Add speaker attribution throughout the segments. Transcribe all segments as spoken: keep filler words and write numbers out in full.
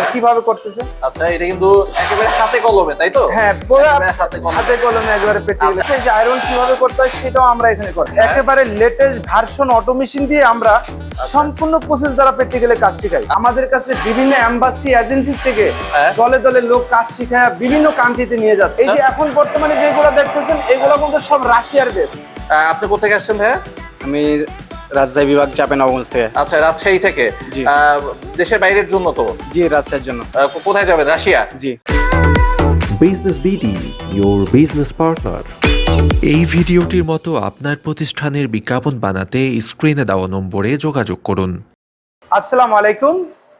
Speaker 1: কিভাবে করতেছে।
Speaker 2: আচ্ছা, এটা কিন্তু একেবারে হাতে কলমে, তাই তো?
Speaker 1: হ্যাঁ, পুরো
Speaker 2: একেবারে হাতে কলমে।
Speaker 1: হাতে কলমে একবারে প্র্যাকটিক্যাল। এই যে আয়রন কিভাবে করতে হয় সেটাও আমরা এখানে করি।
Speaker 2: হ্যাঁ।
Speaker 1: একেবারে লেটেস্ট ভার্সন অটো মেশিন দিয়ে আমরা সম্পূর্ণ প্রসেস দ্বারা প্র্যাকটিক্যালে কাজ শেখাই। আমাদের কাছে বিভিন্ন এমবাসি এজেন্সি থেকে
Speaker 2: হ্যাঁ।
Speaker 1: দলে দলে লোক কাজ শিখায় বিভিন্ন কান্ট্রিতে নিয়ে যাচ্ছে। এই যে এখন বর্তমানে যেগুলো দেখতেছেন এগুলো কিন্তু সব রাশিয়ার বেস।
Speaker 2: আহ, আপনি কোথেকে আসছেন ভাইয়া?
Speaker 3: আমি রাজশাহী বিভাগ চাঁপাইনবাবগঞ্জ থেকে।
Speaker 2: আচ্ছা, রাজশাহী থেকে।
Speaker 3: জি।
Speaker 2: আহ, দেশের বাইরের জন্য তো?
Speaker 3: জি, রাজশাহীর জন্য।
Speaker 2: আহ, কোথায় যাবেন? রাশিয়া?
Speaker 3: জি।
Speaker 4: Business BD, your business partner.
Speaker 5: এই ভিডিওটির মতো আপনার প্রতিষ্ঠানের বিজ্ঞাপন বানাতে স্ক্রিনে দেওয়া নম্বরে যোগাযোগ করুন।
Speaker 1: আসসালামু আলাইকুম,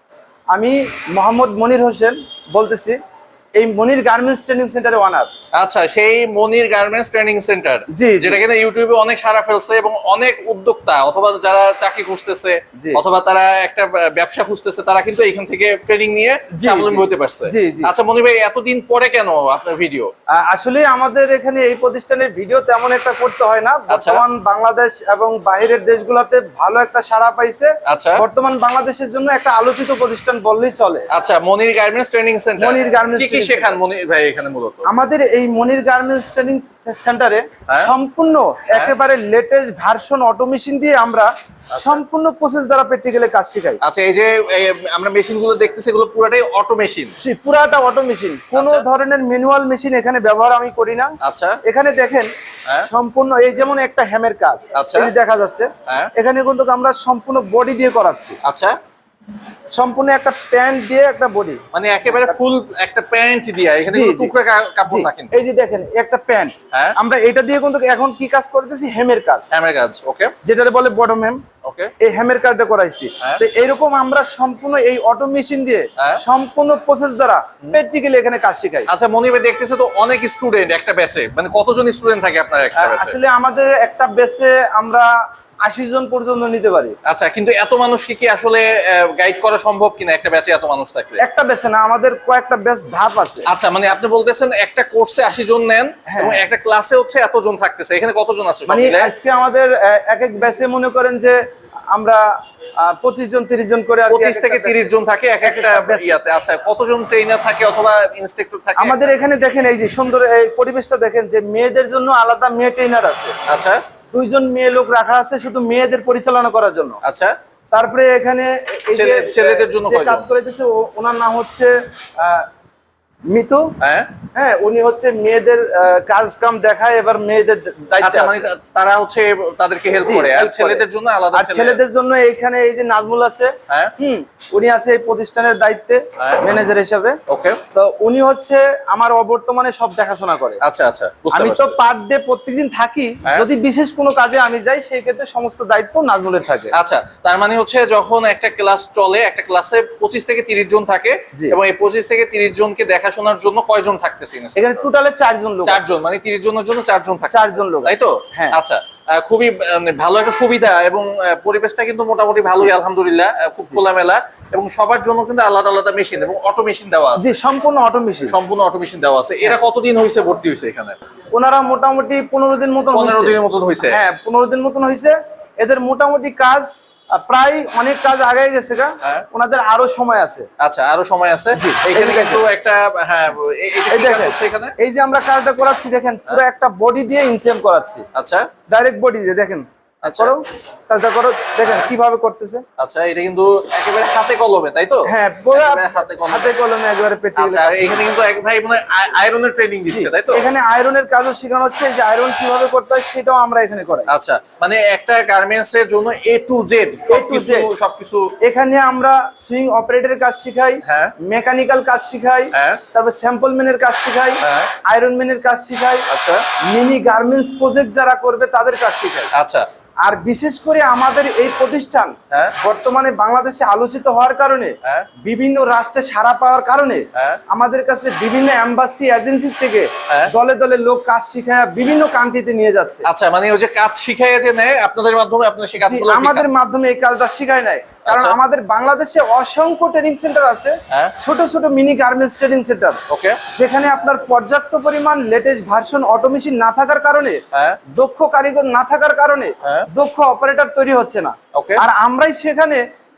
Speaker 1: আমি মোহাম্মদ মনির হোসেন বলতেছি, এই মনির গার্মেন্টস ট্রেনিং সেন্টারের ওনার।
Speaker 2: আচ্ছা, সেই মনির গার্মেন্টস ট্রেনিং সেন্টার,
Speaker 1: জি, জি।
Speaker 2: যেটা কিনা ইউটিউবে অনেক সাড়া ফেলছে এবং অনেক উদ্যোক্তা অথবা যারা চাকরি খুঁজতেছে
Speaker 1: জি।
Speaker 2: অথবা তারা একটা ব্যবসা খুঁজতেছে তারা কিন্তু এখান থেকে ট্রেনিং নিয়ে
Speaker 1: জি,
Speaker 2: স্বাবলম্বী
Speaker 1: জি।
Speaker 2: হতে পারছে।
Speaker 1: জি, জি।
Speaker 2: আচ্ছা মনির ভাই, এতদিন পরে কেন আপনার ভিডিও?
Speaker 1: আহ, আসলে আমাদের এখানে এই প্রতিষ্ঠানের ভিডিও তেমন একটা করতে হয় না।
Speaker 2: আচ্ছা।
Speaker 1: বর্তমান বাংলাদেশ এবং বাইরের দেশগুলোতে ভালো একটা সাড়া পাইছে।
Speaker 2: আচ্ছা।
Speaker 1: বর্তমান বাংলাদেশের জন্য একটা আলোচিত প্রতিষ্ঠান বললেই চলে।
Speaker 2: আচ্ছা, Monir garments training centre.
Speaker 1: Monir garments
Speaker 2: কি কি
Speaker 1: ট্রেনিং
Speaker 2: শেখান মনির ভাই এখানে মূলত?
Speaker 1: আমাদের এই মনির গার্মেন্টস ট্রেনিং সেন্টারে
Speaker 2: হ্যাঁ।
Speaker 1: সম্পূর্ণ একেবারে লেটেস্ট ভার্সন অটো মেশিন দিয়ে আমরা সম্পূর্ণ প্রসেস দ্বারা প্র্যাকটিক্যালে কাজ শেখাই।
Speaker 2: আচ্ছা, এই যে এই আমরা মেশিনগুলো দেখতেছি এগুলো পুরোটাই অটো মেশিন?
Speaker 1: সেই পুরাটা অটো মেশিন, কোনো
Speaker 2: আচ্ছা।
Speaker 1: ধরনের ম্যানুয়াল মেশিন এখানে ব্যবহার আমি করি না।
Speaker 2: আচ্ছা।
Speaker 1: এখানে দেখেন
Speaker 2: হ্যাঁ।
Speaker 1: সম্পূর্ণ এই যেমন একটা হ্যামের কাজ,
Speaker 2: আচ্ছা।
Speaker 1: এই যে দেখা যাচ্ছে।
Speaker 2: হ্যাঁ।
Speaker 1: এখানে কিন্তু আমরা সম্পূর্ণ বডি দিয়ে করাচ্ছি,
Speaker 2: আচ্ছা,
Speaker 1: সম্পূর্ণ একটা প্যান্ট দিয়ে একটা বডি,
Speaker 2: মানে একেবারে ফুল একটা প্যান্ট দিয়া, এখানে
Speaker 1: জি,
Speaker 2: কোনো
Speaker 1: জি।
Speaker 2: টুকরা কা- কাপড়
Speaker 1: জি,
Speaker 2: না কিন্তু।
Speaker 1: এই যে দেখেন একটা প্যান্ট,
Speaker 2: হ্যাঁ।
Speaker 1: আমরা এটা দিয়ে কিন্তু এখন কি কাজ করতেছি, হেমের কাজ,
Speaker 2: হ্যামের কাজ। ওকে
Speaker 1: যেটারে বলে বটম হেম।
Speaker 2: ওকে
Speaker 1: এই হেমের কাজটা করাইছি।
Speaker 2: হ্যাঁ।
Speaker 1: তো এইরকম আমরা সম্পূর্ণ এই অটো মেশিন দিয়ে
Speaker 2: হ্যাঁ।
Speaker 1: সম্পূর্ণ প্রসেস দ্বারা প্র্যাকটিক্যালি এখানে কাজ শেখাই।
Speaker 2: আচ্ছা মনির ভাই, দেখতেছে তো অনেক স্টুডেন্ট একটা ব্যাচে, মানে কতজন স্টুডেন্ট থাকে আপনার একটা ব্যাচে?
Speaker 1: আসলে আমাদের একটা বেসে আমরা আশি জন পর্যন্ত নিতে পারি।
Speaker 2: আচ্ছা, কিন্তু এত মানুষকে কি আসলে গাইড করা সম্ভব কিনা একটা ব্যাচে এত মানুষ থাকলে?
Speaker 1: একটা বেসে না, আমাদের কয়েকটা বেস ধাপ আছে।
Speaker 2: আচ্ছা, মানে আপনি বলতেছেন একটা কোর্সে আশি জন নেন
Speaker 1: হ্যাঁ।
Speaker 2: এবং একটা ক্লাসে হচ্ছে এতজন থাকতেছে, এখানে কতজন আছে সব
Speaker 1: মানে
Speaker 2: মিলে?
Speaker 1: আজকে আমাদের আহ, এক এক ব্যাচে মনে করেন যে আমরা পঁচিশ জন তিরিশ জন করে আর কি
Speaker 2: পঁচিশ
Speaker 1: এক
Speaker 2: থেকে
Speaker 1: একটা
Speaker 2: তিরিশ জন থাকে এক একটা
Speaker 1: একটা batch।
Speaker 2: ইয়াতে। আচ্ছা, কতজন ট্রেনার থাকে অথবা ইনস্ট্রাক্টর থাকে?
Speaker 1: আমাদের এখানে দেখেন এই যে সুন্দর এই পরিবেশটা দেখেন, যে মেয়েদের জন্য আলাদা মেয়ে ট্রেনার আছে,
Speaker 2: আচ্ছা
Speaker 1: দুইজন মেয়ে লোক রাখা আছে শুধু মেয়েদের পরিচালনা করার জন্য।
Speaker 2: আচ্ছা।
Speaker 1: তারপরে এখানে এই যে,
Speaker 2: ছেলে- ছেলেদের জন্য
Speaker 1: যে
Speaker 2: কয়জন?
Speaker 1: কাজ করাইতেছে ও- ওনার নাম হচ্ছে আহ, মিতু।
Speaker 2: হ্যাঁ।
Speaker 1: হ্যাঁ, উনি হচ্ছে মেয়েদের আহ, কাজ কাম দেখায়, এবার মেয়েদের দায়িত্ব
Speaker 2: আচ্ছা, মানে
Speaker 1: আছে।
Speaker 2: তা- তারা হচ্ছে তাদেরকে হেল্প
Speaker 1: জি,
Speaker 2: করে, আর
Speaker 1: help করে।
Speaker 2: ছেলেদের জন্য আলাদা
Speaker 1: আর
Speaker 2: ছেলে-
Speaker 1: ছেলেদের জন্য এখানে এই যে নাজমুল আছে,
Speaker 2: হ্যাঁ।
Speaker 1: হুম, উনি আছে এই প্রতিষ্ঠানের দায়িত্বে
Speaker 2: হ্যাঁ।
Speaker 1: ম্যানেজার হিসেবে।
Speaker 2: ওকে।
Speaker 1: তো উনি হচ্ছে আমার অবর্তমানে সব দেখাশোনা করে।
Speaker 2: আচ্ছা আচ্ছা, বুঝতে
Speaker 1: আমি তো
Speaker 2: পারছি।
Speaker 1: পার ডে প্রত্যেকদিন থাকি,
Speaker 2: হ্যাঁ।
Speaker 1: যদি বিশেষ কোনো কাজে আমি যাই সেই ক্ষেত্রে সমস্ত দায়িত্ব নাজমুলের থাকে।
Speaker 2: আচ্ছা, তার মানে হচ্ছে যখন একটা ক্লাস চলে, একটা ক্লাসে পঁচিশ থেকে তিরিশ জন থাকে
Speaker 1: জি।
Speaker 2: এবং এই পঁচিশ থেকে তিরিশ জনকে দেখাশোনার জন্য কয়জন থাকতেছে?
Speaker 1: এখানে টোটালে চারজন লোক আছে।
Speaker 2: চারজন, মানে তিরিশ জনের জন্য চারজন থাকে।
Speaker 1: চারজন লোক
Speaker 2: তাই তো?
Speaker 1: আছে। হ্যাঁ।
Speaker 2: আচ্ছা, আহ, খুবই আহ, ভালো একটা সুবিধা এবং আহ, পরিবেশটা কিন্তু মোটামুটি ভালোই আলহামদুলিল্লাহ, আহ, খুব খোলামেলা এবং সবার জন্য কিন্তু আলাদা আলাদা মেশিন এবং অটো মেশিন দেওয়া আছে।
Speaker 1: জি, সম্পূর্ণ অটো মেশিন।
Speaker 2: সম্পূর্ণ অটো মেশিন দেওয়া আছে। এরা কতদিন হয়েছে ভর্তি হয়েছে এখানে?
Speaker 1: ওনারা মোটামুটি পনেরো দিন মতন
Speaker 2: পনেরো
Speaker 1: হয়েছে।
Speaker 2: দিনের মতন হয়েছে।
Speaker 1: হ্যাঁ, পনেরো দিন মতন হয়েছে। এদের মোটামুটি কাজ আহ, প্রায় অনেক কাজ আগে গেছে গা,
Speaker 2: হ্যাঁ।
Speaker 1: ওনাদের আরো সময় আছে।
Speaker 2: আচ্ছা, আরো সময় আছে। এখানে
Speaker 1: এই যে
Speaker 2: কিন্তু একটা হ্যাঁ, এ- এটা
Speaker 1: এই
Speaker 2: কি কাজ
Speaker 1: দেখেন,
Speaker 2: হচ্ছে এখানে?
Speaker 1: এই যে আমরা কাজটা করাচ্ছি দেখেন, পুরো একটা বডি দিয়ে ইনসেম করাচ্ছি,
Speaker 2: আচ্ছা
Speaker 1: ডাইরেক্ট বডি দিয়ে। দেখেন,
Speaker 2: আচ্ছা।
Speaker 1: করো কাজটা করো, দেখেন কিভাবে করতেছে।
Speaker 2: আচ্ছা, এটা কিন্তু একেবারে হাতে কলমে, তাই তো?
Speaker 1: হ্যাঁ, পুরো
Speaker 2: একেবারে হাতে কলমে।
Speaker 1: হাতে কলমে একবারে প্র্যাকটিক্যাল।
Speaker 2: আচ্ছা, আর এখানে কিন্তু এক ভাই মানে আয়রনের ট্রেনিং দিচ্ছে, তাই তো?
Speaker 1: এখানে আয়রনের কাজও শেখানো হচ্ছে, যে আয়রন কিভাবে করতে হয় সেটাও আমরা এখানে করাই।
Speaker 2: আচ্ছা, মানে একটা গার্মেন্টস এর জন্য এ টু জেড সবকিছু
Speaker 1: Z
Speaker 2: সবকিছু।
Speaker 1: এখানে আমরা সুইং অপারেটরের কাজ শিখাই,
Speaker 2: হ্যাঁ।
Speaker 1: মেকানিক্যাল কাজ শিখাই,
Speaker 2: হ্যাঁ।
Speaker 1: তারপর স্যাম্পল ম্যানের কাজ শিখাই,
Speaker 2: হ্যাঁ।
Speaker 1: আয়রন ম্যানের কাজ শিখাই,
Speaker 2: আচ্ছা
Speaker 1: মিনি গার্মেন্টস প্রজেক্ট যারা করবে তাদের কাজ শিখাই।
Speaker 2: আচ্ছা
Speaker 1: আর বিশেষ করে আমাদের এই প্রতিষ্ঠান
Speaker 2: হ্যাঁ।
Speaker 1: বর্তমানে বাংলাদেশে আলোচিত হওয়ার কারণে,
Speaker 2: হ্যাঁ।
Speaker 1: বিভিন্ন রাষ্ট্রে সাড়া পাওয়ার কারণে
Speaker 2: হ্যাঁ।
Speaker 1: আমাদের কাছে বিভিন্ন এম্বাসি এজেন্সি থেকে
Speaker 2: হ্যাঁ।
Speaker 1: দলে দলে লোক কাজ শিখায় বিভিন্ন কান্ট্রিতে নিয়ে যাচ্ছে।
Speaker 2: আচ্ছা, মানে ওই যে কাজ শিখাইয়া যে নেয় আপনাদের মাধ্যমে, আপনারা সেই
Speaker 1: জি,
Speaker 2: কাজগুলো
Speaker 1: আমাদের মাধ্যমে এই কাজটা শিখায় নাই, কারণ
Speaker 2: আচ্ছা।
Speaker 1: আমাদের বাংলাদেশে অসংখ্য ট্রেনিং সেন্টার আছে,
Speaker 2: হ্যাঁ।
Speaker 1: ছোট ছোট mini garments training centre,
Speaker 2: okay.
Speaker 1: যেখানে আপনার পর্যাপ্ত পরিমাণ লেটেস্ট ভার্সন অটোমেশন না থাকার কারণে,
Speaker 2: হ্যাঁ।
Speaker 1: দক্ষ কারিগর না থাকার কারণে
Speaker 2: হ্যাঁ।
Speaker 1: দক্ষ অপারেটর তৈরি হচ্ছে না।
Speaker 2: ওকে।
Speaker 1: আর আমরাই সেখানে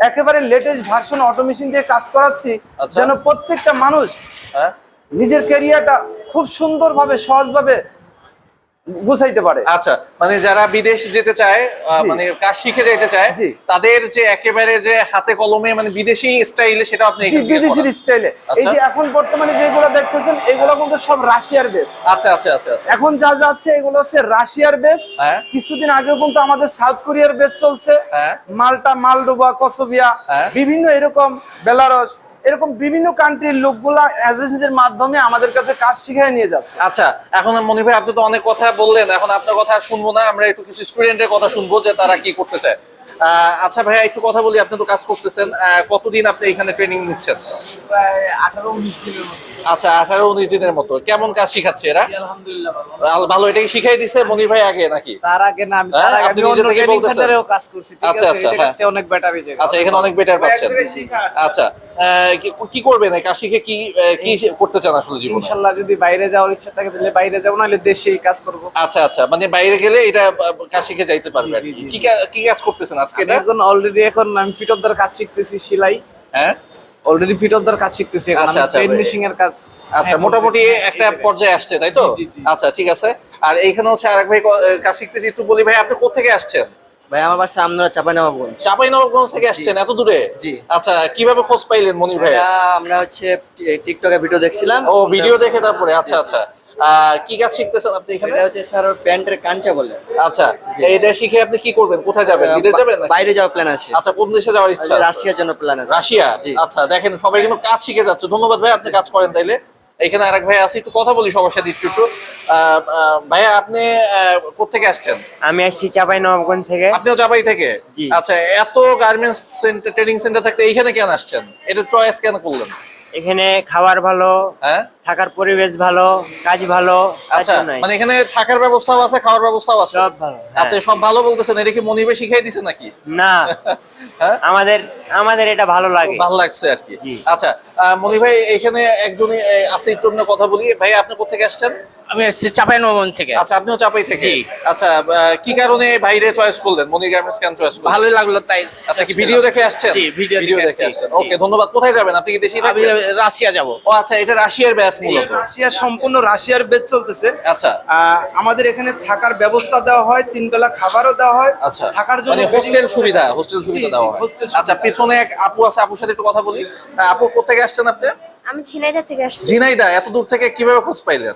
Speaker 1: একেবারে লেটেস্ট ভার্সন অটোমেশন দিয়ে কাজ করাচ্ছি,
Speaker 2: আচ্ছা।
Speaker 1: যেন প্রত্যেকটা মানুষ
Speaker 2: হ্যাঁ
Speaker 1: নিজের ক্যারিয়ারটা খুব সুন্দরভাবে সহজভাবে গুছাইতে পারে।
Speaker 2: আচ্ছা, মানে যারা বিদেশ যেতে চায় আহ,
Speaker 1: জি।
Speaker 2: মানে কাজ শিখে যেতে চায়,
Speaker 1: জি।
Speaker 2: তাদের যে একেবারে যে হাতে কলমে মানে বিদেশি স্টাইলে সেটা আপনি
Speaker 1: জি,
Speaker 2: এখান থেকে
Speaker 1: বিদেশির
Speaker 2: করান।
Speaker 1: স্টাইলে। এই
Speaker 2: আচ্ছা।
Speaker 1: যে এখন বর্তমানে যেগুলো দেখতেছেন এগুলো কিন্তু সব রাশিয়ার বেস।
Speaker 2: আচ্ছা আচ্ছা আচ্ছা আচ্ছা
Speaker 1: এখন যা যাচ্ছে এগুলো হচ্ছে রাশিয়ার বেস।
Speaker 2: হ্যাঁ।
Speaker 1: কিছুদিন আগেও কিন্তু আমাদের সাউথ কোরিয়ার বেস চলছে,
Speaker 2: হ্যাঁ।
Speaker 1: মাল্টা, মালডোভা, কসোভিয়া,
Speaker 2: হ্যাঁ।
Speaker 1: বিভিন্ন এরকম বেলারস, এরকম বিভিন্ন কান্ট্রির লোকগুলা এজেন্সির মাধ্যমে আমাদের কাছে কাজ শিখায় নিয়ে যাচ্ছে।
Speaker 2: আচ্ছা, এখন মনির ভাই আপনি তো অনেক কথা বললেন, এখন আপনার কথা আর শুনবো না, আমরা একটু কিছু স্টুডেন্টের কথা শুনবো যে তারা কি করতে চায়। আহ, আচ্ছা ভাইয়া একটু কথা বলি, আপনি তো কাজ করতেছেন, আহ, কতদিন আপনি এখানে ট্রেনিং নিচ্ছেন?
Speaker 1: প্রায় আঠারো উনিশ দিনের মতো।
Speaker 2: আচ্ছা, আঠারো উনিশ দিনের মতো। কেমন কাজ শিখাচ্ছে এরা?
Speaker 1: আলহামদুলিল্লাহ ভালো।
Speaker 2: আল- ভালো, এটাই শিখাই দিছে মনির ভাই আগে নাকি?
Speaker 1: তার আগে না, আমি
Speaker 2: হ্যাঁ,
Speaker 1: তার আগে
Speaker 2: আপনি
Speaker 1: আমি
Speaker 2: নিজে
Speaker 1: অন্য
Speaker 2: থেকেই
Speaker 1: ট্রেনিং
Speaker 2: বলতেছেন।
Speaker 1: সেন্টারেও কাজ করছি, ঠিক
Speaker 2: আচ্ছা,
Speaker 1: আছে?
Speaker 2: আচ্ছা,
Speaker 1: এটা
Speaker 2: হ্যাঁ।
Speaker 1: হচ্ছে অনেক বেটার হয়েছে।
Speaker 2: আচ্ছা, এখানে অনেক বেটার পাচ্ছেন।
Speaker 1: এক জায়গায় শিখা আছে।
Speaker 2: আচ্ছা, আহ, কি- কি করবেন এই কাজ শিখে, কি আহ, কি করতে চান আসলে জীবনে?
Speaker 1: ইনশাআল্লাহ যদি বাইরে যাওয়ার ইচ্ছা থাকে তাহলে বাইরে যাবো, নাহলে দেশেই কাজ করব।
Speaker 2: আচ্ছা আচ্ছা, মানে বাইরে গেলে এটা আহ, কাজ শিখে যাইতে পারবে আর
Speaker 1: জি,
Speaker 2: কি।
Speaker 1: জি,
Speaker 2: কি কা- কি কাজ করতেছেন আজকে
Speaker 1: আমি
Speaker 2: এটা?
Speaker 1: এখন অলরেডি এখন আমি ফিট অফ কাজ শিখতেছি, সেলাই।
Speaker 2: হ্যাঁ
Speaker 1: অলরেডি ফিট অফ কাজ শিখতেছি এখন,
Speaker 2: আচ্ছা,
Speaker 1: আমি
Speaker 2: আচ্ছা,
Speaker 1: পেন
Speaker 2: ভাই।
Speaker 1: মেশিং এর কাজ।
Speaker 2: আচ্ছা,
Speaker 1: হ্যাঁ,
Speaker 2: মোটামুটি
Speaker 1: হ্যাঁ,
Speaker 2: একটা
Speaker 1: এই জায়গায়।
Speaker 2: পর্যায়ে আসছে, তাই তো?
Speaker 1: জি, জি, জি।
Speaker 2: আচ্ছা, ঠিক আছে। আর এইখানে হচ্ছে আরেক ভাই ক- কাজ শিখতেছি, একটু বলি ভাই আপনি কোথা থেকে আসছেন?
Speaker 6: ভাই আমার বাসা আমরা চাঁপাইনবাবগঞ্জ।
Speaker 2: চাঁপাইনবাবগঞ্জ থেকে আসছেন এত দূরে?
Speaker 6: জি।
Speaker 2: আচ্ছা, কিভাবে খোঁজ পাইলেন মনির ভাই?
Speaker 6: এটা আমরা হচ্ছে টি- টিকটকে ভিডিও দেখছিলাম।
Speaker 2: ও, ভিডিও দেখে তারপরে? আচ্ছা আচ্ছা। আহ, কি কাজ শিখতেছেন আপনি এখানে?
Speaker 6: এটা হচ্ছে স্যার প্যান্টের কাঞ্চা বলে।
Speaker 2: আচ্ছা, এটা শিখে আপনি কি করবেন? কোথায় যাবেন? বিদেশ যাবেন নাকি?
Speaker 6: বাইরে যাওয়ার প্ল্যান আছে।
Speaker 2: আচ্ছা, কোন দেশে যাওয়ার ইচ্ছা আছে?
Speaker 6: রাশিয়ার জন্য প্ল্যান আছে।
Speaker 2: রাশিয়া?
Speaker 6: জি।
Speaker 2: আচ্ছা, দেখেন সবাই কিন্তু কাজ শিখে যাচ্ছে। ধন্যবাদ ভাই, আপনি কাজ করেন তাইলে। এখানে আরেক ভাই আছে, একটু কথা বলি সবার সাথে একটু একটু। আহ, আহ, ভাইয়া আপনি কোথেকে আসছেন?
Speaker 7: আমি আসছি চাঁপাইনবাবগঞ্জ থেকে।
Speaker 2: আপনিও চাপাই থেকে?
Speaker 7: জি।
Speaker 2: আচ্ছা, এত গার্মেন্টস সেন্টার, ট্রেনিং সেন্টার থাকতে এইখানে কেন আসছেন? এটা চয়েস কেন করলেন?
Speaker 7: এখানে খাবার ভালো,
Speaker 2: হ্যাঁ
Speaker 7: থাকার পরিবেশ ভালো, কাজ ভালো, তার
Speaker 2: আচ্ছা,
Speaker 7: জন্যই।
Speaker 2: মানে এখানে থাকার ব্যবস্থাও আছে, খাওয়ার ব্যবস্থাও আছে?
Speaker 7: সব ভালো, হ্যাঁ।
Speaker 2: আচ্ছা, সব ভালো বলতেছেন। এটা কি মনিবে শিখাই দিছে নাকি?
Speaker 7: না,
Speaker 2: হ্যাঁ,
Speaker 7: আমাদের আমাদের এটা ভালো লাগে।
Speaker 2: ভালো লাগছে আর কি।
Speaker 7: জি।
Speaker 2: আচ্ছা, আহ, মনি ভাই এখানে একজনই আহ, আছে, একটু আমরা কথা বলি। ভাই আপনি কোথেকে আসছেন?
Speaker 8: আমি আসছি চাঁপাইনবাবগঞ্জ থেকে।
Speaker 2: আচ্ছা, আপনিও চাপাই থেকে?
Speaker 8: জি।
Speaker 2: আচ্ছা, আহ, কি কারণে বাইরে চয়েস করলেন? মনি গার্মেন্টস কেন চয়েস করলেন?
Speaker 8: ভালোই লাগলো তাই।
Speaker 2: আচ্ছা, কি ভিডিও দেখে আসছেন?
Speaker 8: জি, ভিডিও দেখে
Speaker 2: দেখে
Speaker 8: আসছি।
Speaker 2: আসছেন।
Speaker 8: জি।
Speaker 2: ওকে, ধন্যবাদ। কোথায় যাবেন আপনি? কি দেশেই
Speaker 8: আমি
Speaker 2: থাকবেন?
Speaker 8: রাশিয়া যাব।
Speaker 2: ও আচ্ছা, এটা রাশিয়ার ব্যাচ মূলত।
Speaker 1: রাশিয়া, সম্পূর্ণ রাশিয়ার বেস চলতেছে।
Speaker 2: আচ্ছা
Speaker 1: আহ, আমাদের এখানে থাকার ব্যবস্থা দেওয়া হয়, তিন বেলা খাবারও দেওয়া হয়।
Speaker 2: আচ্ছা,
Speaker 1: থাকার জন্য
Speaker 2: মানে হোস্টেল সুবিধা, হোস্টেল সুবিধা
Speaker 1: জি,
Speaker 2: দেওয়া
Speaker 1: জি,
Speaker 2: হয়।
Speaker 1: hostel সুবিধা।
Speaker 2: আচ্ছা, পিছনে এক আপু আছে, আপুর সাথে একটু কথা বলি। আহ, আপু কোথেকে আসছেন আপনি?
Speaker 9: আমি ঝিনাইদহ থেকে আসছি।
Speaker 2: ঝিনাইদহ? এত দূর থেকে কিভাবে খোঁজ পাইলেন?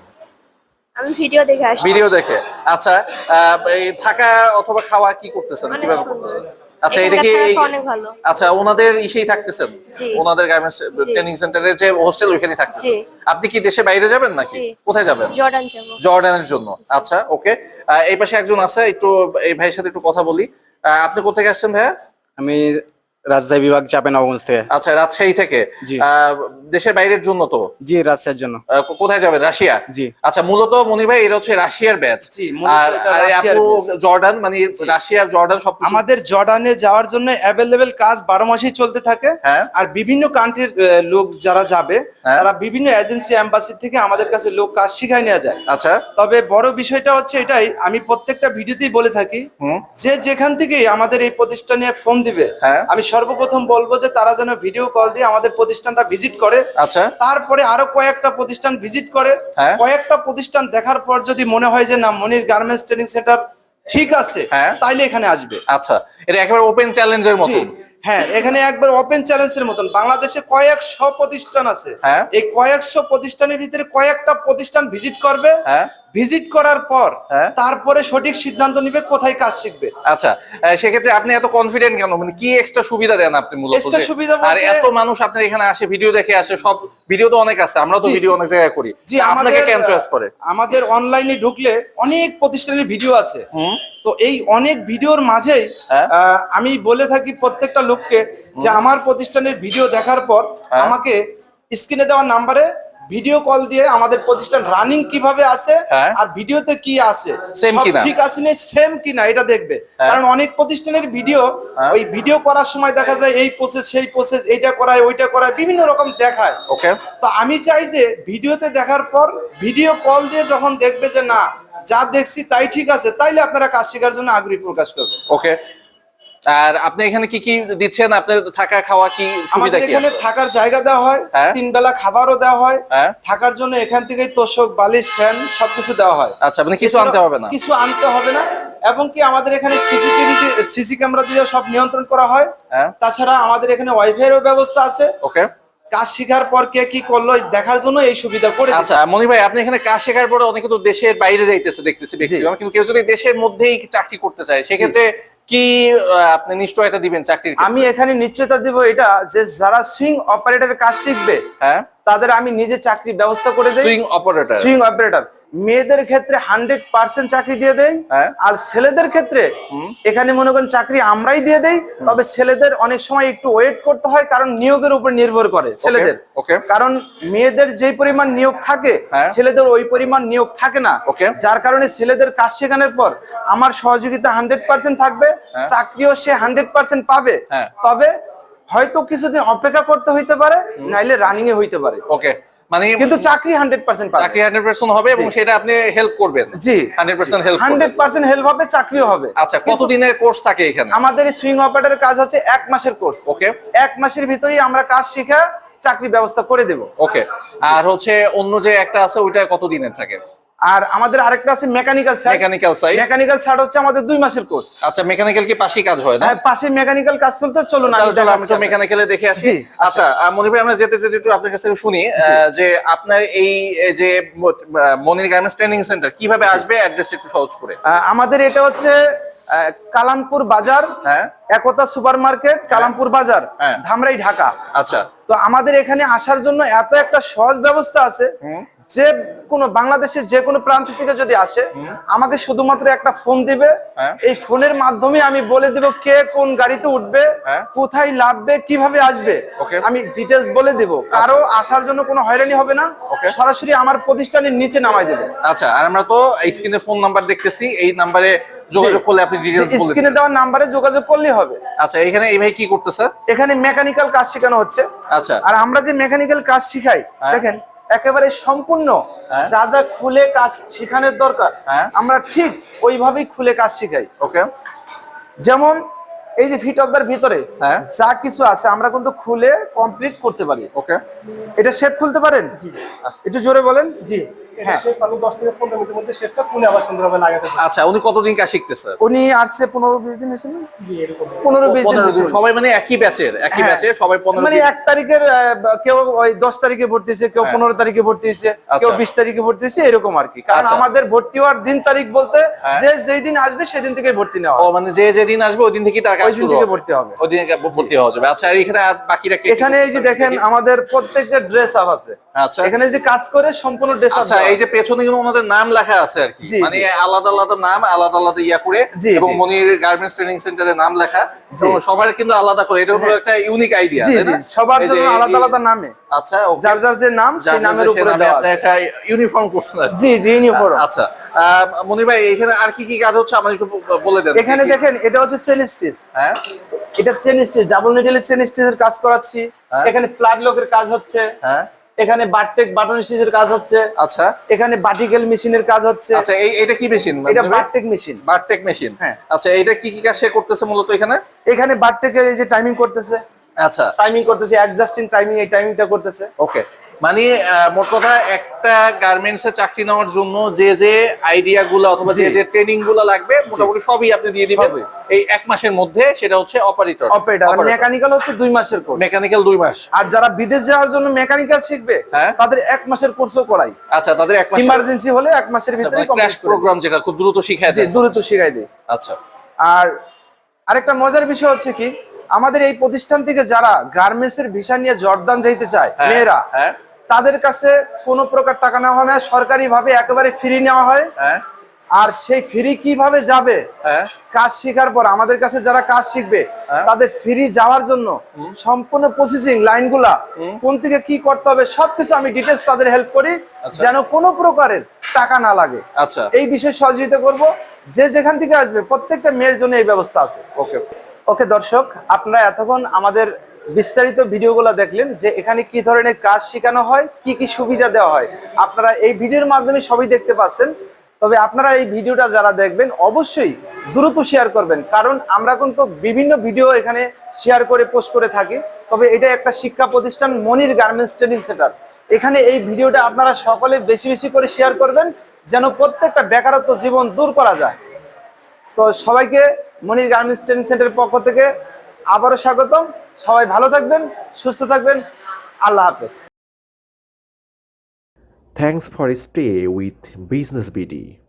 Speaker 9: আমি ভিডিও দেখে আসছি।
Speaker 2: ভিডিও দেখে। আচ্ছা, আহ, এই থাকা অথবা খাওয়া কি করতেছেন,
Speaker 9: অনেক
Speaker 2: কিভাবে
Speaker 9: সুন্দর।
Speaker 2: করতেছেন? আচ্ছা, এটা
Speaker 9: এখানকার
Speaker 2: কি
Speaker 9: থাকা
Speaker 2: এই-
Speaker 9: অনেক ভালো।
Speaker 2: আচ্ছা, ওনাদের ইসেই থাকতেছেন?
Speaker 9: জি।
Speaker 2: ওনাদের গার্মেন্টস ট্রেনিং সেন্টারে যে হোস্টেল, ওইখানে থাকতেছেন?
Speaker 9: জি।
Speaker 2: আপনি কি দেশে বাইরে যাবেন নাকি?
Speaker 9: জি।
Speaker 2: কোথায় যাবেন?
Speaker 9: জর্ডান যাব।
Speaker 2: জর্ডানের জন্য। আচ্ছা, ওকে। এই পাশে একজন আছে, একটু এই ভাইয়ের সাথে একটু কথা বলি। আহ, আপনি কোথেকে আসছেন ভাইয়া?
Speaker 3: আমি রাজশাহী বিভাগ চাঁপাইনবাবগঞ্জ থেকে।
Speaker 2: আচ্ছা, রাজশাহী থেকে।
Speaker 3: জি।
Speaker 2: আহ, দেশের বাইরের জন্য তো?
Speaker 3: জি, রাজশাহীর জন্য।
Speaker 2: আহ, কো- কোথায় যাবেন? রাশিয়া?
Speaker 3: জি।
Speaker 2: আচ্ছা, মূলত মনির ভাই এটা হচ্ছে রাশিয়ার ব্যাচ।
Speaker 1: জি, মূলত
Speaker 2: আর
Speaker 1: এটা
Speaker 2: আর এই
Speaker 1: রাশিয়ার
Speaker 2: আপু
Speaker 1: batch।
Speaker 2: জর্ডান, মানে রাশিয়া জর্ডান সব
Speaker 1: আমাদের জর্ডানে যাওয়ার জন্য অ্যাভেলেবেল কাজ বারো মাসই চলতে থাকে।
Speaker 2: হ্যাঁ।
Speaker 1: আর বিভিন্ন কান্ট্রির লোক যারা যাবে,
Speaker 2: হ্যাঁ।
Speaker 1: তারা বিভিন্ন এজেন্সি, এম্বাসি থেকে আমাদের কাছে লোক কাজ শিখাই নেওয়া যায়।
Speaker 2: আচ্ছা।
Speaker 1: তবে বড় বিষয়টা হচ্ছে এটাই, আমি প্রত্যেকটা ভিডিওতেই বলে থাকি,
Speaker 2: হুম।
Speaker 1: যে যেখান থেকেই আমাদের এই প্রতিষ্ঠানে ফোন দিবে,
Speaker 2: হ্যাঁ।
Speaker 1: আমি সর্বপ্রথম বলবো যে তারা যেন ভিডিও কল দিয়ে আমাদের প্রতিষ্ঠানটা ভিজিট করে।
Speaker 2: আচ্ছা।
Speaker 1: তারপরে আরো কয়েকটা প্রতিষ্ঠান ভিজিট করে।
Speaker 2: হ্যাঁ।
Speaker 1: কয়েকটা প্রতিষ্ঠান দেখার পর যদি মনে হয় যে না, মনির গার্মেন্টস ট্রেনিং সেন্টার ঠিক আছে,
Speaker 2: হ্যাঁ।
Speaker 1: তাইলে এখানে আসবে।
Speaker 2: আচ্ছা, এটা একেবারে ওপেন চ্যালেঞ্জের মতো।
Speaker 1: জি, হ্যাঁ, এখানে একবার ওপেন চ্যালেঞ্জের মতন। বাংলাদেশে কয়েকশো প্রতিষ্ঠান আছে।
Speaker 2: হ্যাঁ।
Speaker 1: এই কয়েকশো প্রতিষ্ঠানের ভিতরে কয়েকটা প্রতিষ্ঠান ভিজিট করবে।
Speaker 2: হ্যাঁ।
Speaker 1: ভিজিট করার পর
Speaker 2: হ্যাঁ।
Speaker 1: তারপরে সঠিক সিদ্ধান্ত নিবে কোথায় কাজ শিখবে।
Speaker 2: আচ্ছা, আহ, সেক্ষেত্রে আপনি এত কনফিডেন্ট কেন? মানে কি এক্সট্রা সুবিধা দেন আপনি মূলত?
Speaker 1: Extra
Speaker 2: যে-
Speaker 1: সুবিধা
Speaker 2: আর
Speaker 1: বলতে-
Speaker 2: এত মানুষ আপনার এখানে আসে, ভিডিও দেখে আসে, সব ভিডিও তো অনেক আছে, আমরা তো
Speaker 1: জি,
Speaker 2: ভিডিও
Speaker 1: জি।
Speaker 2: অনেক জায়গায় করি।
Speaker 1: জি,
Speaker 2: আপনাকে
Speaker 1: আমাদের
Speaker 2: কেন চয়েস করে?
Speaker 1: আমাদের অনলাইনে ঢুকলে অনেক প্রতিষ্ঠানের ভিডিও আছে।
Speaker 2: হুম।
Speaker 1: তো এই অনেক ভিডিওর মাঝেই
Speaker 2: হ্যাঁ।
Speaker 1: আহ, আমি বলে থাকি প্রত্যেকটা লোককে যে আমার প্রতিষ্ঠানের ভিডিও দেখার পর
Speaker 2: হ্যাঁ।
Speaker 1: আমাকে স্ক্রিনে দেওয়া নাম্বারে ভিডিও কল দিয়ে আমাদের প্রতিষ্ঠান রানিং কিভাবে আছে,
Speaker 2: হ্যাঁ।
Speaker 1: আর ভিডিওতে কি আছে,
Speaker 2: Same
Speaker 1: সব
Speaker 2: কিনা?
Speaker 1: ঠিক আছে না সেম কিনা এটা দেখবে।
Speaker 2: হ্যাঁ।
Speaker 1: কারণ অনেক প্রতিষ্ঠানের ভিডিও,
Speaker 2: হ্যাঁ।
Speaker 1: ওই ভিডিও করার সময় দেখা যায় এই প্রসেস সেই প্রসেস, এইটা করায় ওইটা করায়, বিভিন্ন রকম দেখায়।
Speaker 2: ওকে।
Speaker 1: তো আমি চাই যে ভিডিওতে দেখার পর ভিডিও কল দিয়ে যখন দেখবে যে না, যা দেখছি তাই ঠিক আছে, তাইলে আপনারা কাজ শেখার জন্য আগ্রহী প্রকাশ করবেন।
Speaker 2: ওকে, আর আপনি এখানে কি কি দিচ্ছেন? আপনার থাকা খাওয়া কি সুবিধা
Speaker 1: আমাদের
Speaker 2: কি
Speaker 1: এখানে
Speaker 2: আছে?
Speaker 1: থাকার জায়গা দেওয়া হয়,
Speaker 2: হ্যাঁ।
Speaker 1: তিন বেলা খাবারও দেওয়া হয়,
Speaker 2: হ্যাঁ।
Speaker 1: থাকার জন্য এখান থেকেই তোষক বালিশ ফ্যান সবকিছু দেওয়া হয়।
Speaker 2: আচ্ছা, মানে কিছু আনতে হবে না?
Speaker 1: কিছু আনতে হবে না, এবং কি আমাদের এখানে সিসিটিভি সিসি ক্যামেরা দিয়ে সব নিয়ন্ত্রণ করা হয়।
Speaker 2: হ্যাঁ।
Speaker 1: তাছাড়া আমাদের এখানে ওয়াইফাই এর ব্যবস্থা আছে।
Speaker 2: ওকে।
Speaker 1: কাজ শেখার পর কে কি করলো দেখার জন্য এই সুবিধা করে দিয়েছে।
Speaker 2: আচ্ছা মনি ভাই, আপনি এখানে কাজ শেখার পরে অনেকে তো দেশের বাইরে যাইতেছে দেখতেছি ম্যাক্সিমাম, কিন্তু কেউ যদি দেশের মধ্যেই চাকরি করতে চায় সেক্ষেত্রে কি আহ, আপনি নিশ্চয়তা দিবেন চাকরির ক্ষেত্রে?
Speaker 1: আমি এখানে নিশ্চয়তা দিব এটা যে যারা সুইং অপারেটরের কাজ শিখবে
Speaker 2: হ্যাঁ,
Speaker 1: তাদের আমি নিজে চাকরির ব্যবস্থা করে দেই।
Speaker 2: Swing operator.
Speaker 1: সুইং অপারেটর মেয়েদের ক্ষেত্রে হান্ড্রেড পার্সেন্ট চাকরি দিয়ে দেয়,
Speaker 2: হ্যাঁ।
Speaker 1: আর ছেলেদের ক্ষেত্রে এখানে মনে করেন চাকরি আমরাই দিয়ে দেই, তবে ছেলেদের অনেক সময় একটু ওয়েট করতে হয়, কারণ নিয়োগের উপর নির্ভর করে ছেলেদের।
Speaker 2: ওকে।
Speaker 1: কারণ মেয়েদের যে পরিমাণ নিয়োগ থাকে
Speaker 2: হ্যাঁ।
Speaker 1: ছেলেদের ওই পরিমাণ নিয়োগ থাকে না।
Speaker 2: ওকে।
Speaker 1: যার কারণে ছেলেদের কাজ শেখানোর পর আমার সহযোগিতা হান্ড্রেড পার্সেন্ট থাকবে,
Speaker 2: হ্যাঁ।
Speaker 1: চাকরিও সে হান্ড্রেড পার্সেন্ট পাবে।
Speaker 2: হ্যাঁ।
Speaker 1: তবে হয়তো কিছুদিন অপেক্ষা করতে হইতে পারে, নাইলে রানিং এ হইতে পারে।
Speaker 2: ওকে, মানে
Speaker 1: কিন্তু চাকরি হান্ড্রেড পার্সেন্ট পাবে।
Speaker 2: চাকরি হান্ড্রেড পার্সেন্ট হবে এবং সেটা আপনি হেল্প করবেন।
Speaker 1: জি,
Speaker 2: hundred percent help
Speaker 1: hundred percent help হবে, চাকরিও হবে।
Speaker 2: আচ্ছা, কতদিনের কোর্স থাকে এখানে?
Speaker 1: আমাদের এই সুইং অপারেটরের কাজ হচ্ছে এক মাসের কোর্স।
Speaker 2: ওকে।
Speaker 1: এক মাসের ভিতরেই আমরা কাজ শিখে চাকরি ব্যবস্থা করে দেব।
Speaker 2: ওকে। আর হচ্ছে অন্য যে একটা আছে ওইটা কত দিনের থাকে?
Speaker 1: আর আমাদের আরেকটা আছে mechanical side.
Speaker 2: Mechanical side.
Speaker 1: Mechanical side হচ্ছে আমাদের দুই মাসের কোর্স।
Speaker 2: আচ্ছা, মেকানিক্যাল কি পাশেই কাজ হয় না?
Speaker 1: হ্যাঁ, পাশে মেকানিক্যাল কাজ চলতে, চলুন
Speaker 2: তাহলে চলো আমি তো
Speaker 1: দেখাচ্ছি।
Speaker 2: মেকানিক্যালে দেখে আসি।
Speaker 1: জি,
Speaker 2: আচ্ছা আহ, মনির ভাই, আমরা যেতে যেতে একটু আপনার কাছে শুনি আহ, যে আপনার এই এই যে আহ, মনির গার্মেন্টস ট্রেনিং সেন্টার কিভাবে আসবে, অ্যাড্রেস একটু সহজ করে।
Speaker 1: আহ, আমাদের এটা হচ্ছে আহ, কালামপুর বাজার,
Speaker 2: হ্যাঁ।
Speaker 1: একতা সুপার মার্কেট, কালামপুর বাজার,
Speaker 2: হ্যাঁ।
Speaker 1: ধামরাই, ঢাকা।
Speaker 2: আচ্ছা।
Speaker 1: তো আমাদের এখানে আসার জন্য এত একটা সহজ ব্যবস্থা আছে, যে কোনো বাংলাদেশের যে কোনো প্রান্ত থেকে যদি আসে আমাকে শুধুমাত্র একটা ফোন দিবে,
Speaker 2: হ্যাঁ।
Speaker 1: এই ফোনের মাধ্যমে আমি বলে দেব কে কোন গাড়িতে উঠবে,
Speaker 2: হ্যাঁ।
Speaker 1: কোথায় নামবে, কিভাবে আসবে,
Speaker 2: Okay.
Speaker 1: আমি ডিটেলস বলে দেব। কারো আসার জন্য কোনো হয়রানি হবে না,
Speaker 2: Okay.
Speaker 1: সরাসরি আমার প্রতিষ্ঠানের নিচে নামাই দেবে।
Speaker 2: আচ্ছা, আর আমরা তো স্ক্রিনে ফোন নাম্বার দেখতেছি, এই নাম্বারে যোগাযোগ করলে আপনি ডিটেইলস বলে
Speaker 1: স্ক্রিনে
Speaker 2: দিবেন।
Speaker 1: দেওয়ার নাম্বারে যোগাযোগ করলেই হবে।
Speaker 2: আচ্ছা, এখানে এই ভাই কি করতেছে?
Speaker 1: এখানে মেকানিক্যাল কাজ শেখানো হচ্ছে।
Speaker 2: আচ্ছা।
Speaker 1: আর আমরা যে মেকানিক্যাল কাজ শিখাই,
Speaker 2: হ্যাঁ।
Speaker 1: দেখেন একেবারে সম্পূর্ণ
Speaker 2: হ্যাঁ।
Speaker 1: যা যা খুলে কাজ শেখানোর দরকার
Speaker 2: হ্যাঁ।
Speaker 1: আমরা ঠিক ওইভাবেই খুলে কাজ শিখাই।
Speaker 2: ওকে।
Speaker 1: যেমন এই যে ফিট অফার ভিতরে
Speaker 2: হ্যাঁ।
Speaker 1: যা কিছু আছে আমরা কিন্তু খুলে কমপ্লিট করতে পারি।
Speaker 2: ওকে।
Speaker 1: এটা শেপ খুলতে পারেন? একটু জোরে বলেন। জি, হ্যাঁ।
Speaker 10: আমি দশ থেকে পনেরো মিনিটের মধ্যে শেফটা খুলে আবার সুন্দরভাবে লাগাতে পারি।
Speaker 2: আচ্ছা, উনি কতদিন কাজ শিখতেছে?
Speaker 1: উনি আসছে পনেরো বিশ দিন হয়েছে না?
Speaker 10: জি, এরকম
Speaker 1: পনেরো বিশ দিন
Speaker 2: পনেরো দিন।
Speaker 1: হয়েছে।
Speaker 2: সবাই মানে একই ব্যাচের, একই
Speaker 1: হ্যাঁ।
Speaker 2: ব্যাচের সবাই পনেরো
Speaker 1: মানে
Speaker 2: দিন।
Speaker 1: এক তারিখের আহ, কেউ ওই দশ তারিখে ভর্তি হয়েছে, কেউ
Speaker 2: হ্যাঁ।
Speaker 1: পনেরো তারিখে ভর্তি হয়েছে, কেউ
Speaker 2: আচ্ছা।
Speaker 1: বিশ তারিখে ভর্তি হয়েছে, এরকম আর কি। কারণ
Speaker 2: আচ্ছা।
Speaker 1: আমাদের ভর্তি হওয়ার দিন তারিখ বলতে
Speaker 2: হ্যাঁ।
Speaker 1: যে যেই দিন আসবে সেদিন থেকে ভর্তি নেওয়া
Speaker 2: ও
Speaker 1: হয়।
Speaker 2: মানে যে যেদিন আসবে ওই দিন থেকেই তার কাজ
Speaker 1: ওই দিন
Speaker 2: শুরু
Speaker 1: থেকে
Speaker 2: হবে।
Speaker 1: ভর্তি হবে।
Speaker 2: ওই দিন থেকে ভর্তি হওয়া যাবে। আচ্ছা, আর এখানে আর বাকিরা কে কি
Speaker 1: এখানে এই যে
Speaker 2: করতেছে?
Speaker 1: দেখেন আমাদের প্রত্যেকটা ড্রেস আপ আছে।
Speaker 2: আচ্ছা।
Speaker 1: এখানে যে কাজ করে সম্পূর্ণ ড্রেস আপ।
Speaker 2: আচ্ছা, এই যে পেছনে কিন্তু ওনাদের নাম লেখা আছে আর কি,
Speaker 1: জি,
Speaker 2: মানে
Speaker 1: জি।
Speaker 2: আলাদা আলাদা নাম, আলাদা আলাদা ইয়া করে,
Speaker 1: জি,
Speaker 2: এবং
Speaker 1: জি।
Speaker 2: মনির গার্মেন্টস ট্রেনিং সেন্টারের নাম লেখা,
Speaker 1: জি।
Speaker 2: তো সবার কিন্তু আলাদা করে, এটা হলো একটা ইউনিক আইডিয়া,
Speaker 1: জি,
Speaker 2: তাই
Speaker 1: জি,
Speaker 2: না?
Speaker 1: সবার
Speaker 2: এই যে
Speaker 1: জন্য আলাদা
Speaker 2: এই-
Speaker 1: আলাদা নামে।
Speaker 2: আচ্ছা, ওকে।
Speaker 1: যার যার যে নাম
Speaker 2: যার
Speaker 1: সেই
Speaker 2: যার
Speaker 1: নামের
Speaker 2: সে
Speaker 1: উপরে
Speaker 2: নামে
Speaker 1: দেওয়া
Speaker 2: আপনি
Speaker 1: আছে।
Speaker 2: একটা ইউনিফর্ম করছেন আর কি।
Speaker 1: জি, জি, ইউনিফর্ম।
Speaker 2: আচ্ছা, আহ, মনির ভাই, এখানে আর কি কি কাজ হচ্ছে আমার একটু বলে দেন।
Speaker 1: এখানে দেখেন এটা হচ্ছে চেন স্টিচ।
Speaker 2: হ্যাঁ।
Speaker 1: এটা চেন স্টিচ, ডাবল নিডেলের চেন স্টিচের কাজ করাচ্ছি।
Speaker 2: হ্যাঁ।
Speaker 1: এখানে ফ্ল্যাগ লকের কাজ হচ্ছে।
Speaker 2: হ্যাঁ।
Speaker 1: এখানে বারটেক বাটন স্টিচের কাজ হচ্ছে।
Speaker 2: আচ্ছা।
Speaker 1: এখানে বাটিকেল মেশিনের কাজ হচ্ছে।
Speaker 2: আচ্ছা, এই এটা কি মেশিন?
Speaker 1: এটা বারটেক মেশিন।
Speaker 2: বারটেক মেশিন।
Speaker 1: হ্যাঁ।
Speaker 2: আচ্ছা, এটা কি কি কাজ সে করতেছে মূলত এখানে?
Speaker 1: এখানে বারটেকের এই যে টাইমিং করতেছে,
Speaker 2: আচ্ছা।
Speaker 1: টাইমিং করতেছে, অ্যাডজাস্টিং টাইমিং, এই টাইমিংটা করতেছে।
Speaker 2: ওকে, মানে আহ, মোট কথা একটা গার্মেন্টস এ চাকরি নেওয়ার জন্য যে যে আইডিয়া গুলো অথবা যে
Speaker 1: জি।
Speaker 2: যে ট্রেনিং গুলো লাগবে মোটামুটি সবই আপনি দিয়ে দিবেন
Speaker 1: সবই।
Speaker 2: এই এক মাসের মধ্যে। সেটা হচ্ছে অপারেটর।
Speaker 1: অপারেটর আর মেকানিক্যাল হচ্ছে দুই মাসের কোর্স।
Speaker 2: মেকানিক্যাল দুই মাস।
Speaker 1: আর যারা বিদেশ যাওয়ার জন্য মেকানিক্যাল শিখবে
Speaker 2: হ্যাঁ।
Speaker 1: তাদের এক মাসের কোর্সও করাই।
Speaker 2: আচ্ছা, তাদের এক মাস
Speaker 1: ইমার্জেন্সি হলে এক মাসের ভিতরে
Speaker 2: ক্র্যাশ
Speaker 1: কমপ্লিট করে
Speaker 2: প্রোগ্রাম, যেটা খুব দ্রুত শিখায়
Speaker 1: জি,
Speaker 2: দেয়।
Speaker 1: দ্রুত শিখাই দেয়।
Speaker 2: আচ্ছা।
Speaker 1: আর আরেকটা মজার বিষয় হচ্ছে কি, আমাদের এই প্রতিষ্ঠান থেকে যারা গার্মেন্টস এর ভিসা নিয়ে জর্দান যাইতে চায়
Speaker 2: হ্যাঁ,
Speaker 1: মেয়েরা,
Speaker 2: হ্যাঁ।
Speaker 1: তাদের কাছে কোনো প্রকার টাকা নেওয়া হয় না, সরকারি ভাবে একেবারে ফ্রি নেওয়া হয়।
Speaker 2: হ্যাঁ।
Speaker 1: আর সেই ফ্রি কিভাবে যাবে,
Speaker 2: হ্যাঁ।
Speaker 1: কাজ শেখার পর আমাদের কাছে যারা কাজ শিখবে
Speaker 2: হ্যাঁ।
Speaker 1: তাদের ফ্রি যাওয়ার জন্য সম্পূর্ণ প্রসেসিং লাইনগুলা কোন থেকে কি করতে হবে সবকিছু আমি ডিটেলস তাদের হেল্প করি,
Speaker 2: আচ্ছা।
Speaker 1: যেন কোনো প্রকারের টাকা না লাগে।
Speaker 2: আচ্ছা।
Speaker 1: এই বিষয়ে সহযোগিতা করব। যে যেখান থেকে আসবে প্রত্যেকটা মেয়ের জন্য এই ব্যবস্থা আছে।
Speaker 2: ওকে।
Speaker 1: ওকে দর্শক, আপনারা এতক্ষণ আমাদের বিস্তারিত ভিডিওগুলো দেখলেন যে এখানে কি ধরনের কাজ শেখানো হয়, কি কি সুবিধা দেওয়া হয়। আপনারা এই ভিডিওর মাধ্যমে সবই দেখতে পাচ্ছেন। তো তবে আপনারা এই ভিডিওটা যারা দেখবেন অবশ্যই দ্রুত শেয়ার করবেন, কারণ আমরা কিন্তু বিভিন্ন ভিডিও এখানে শেয়ার করে পোস্ট করে থাকি। তবে এটা একটা শিক্ষা প্রতিষ্ঠান মনির গার্মেন্টস ট্রেনিং সেন্টার। এখানে এই ভিডিওটা আপনারা সকলে বেশি বেশি করে শেয়ার করবেন, যেন প্রত্যেকটা বেকারত্ব জীবন দূর করা যায়। তো সবাইকে মনির গার্মেন্টস ট্রেনিং সেন্টারের পক্ষ থেকে আবারও স্বাগতম। সবাই ভালো থাকবেন, সুস্থ থাকবেন। আল্লাহ হাফেজ।
Speaker 4: Thanks for stay with Business B D.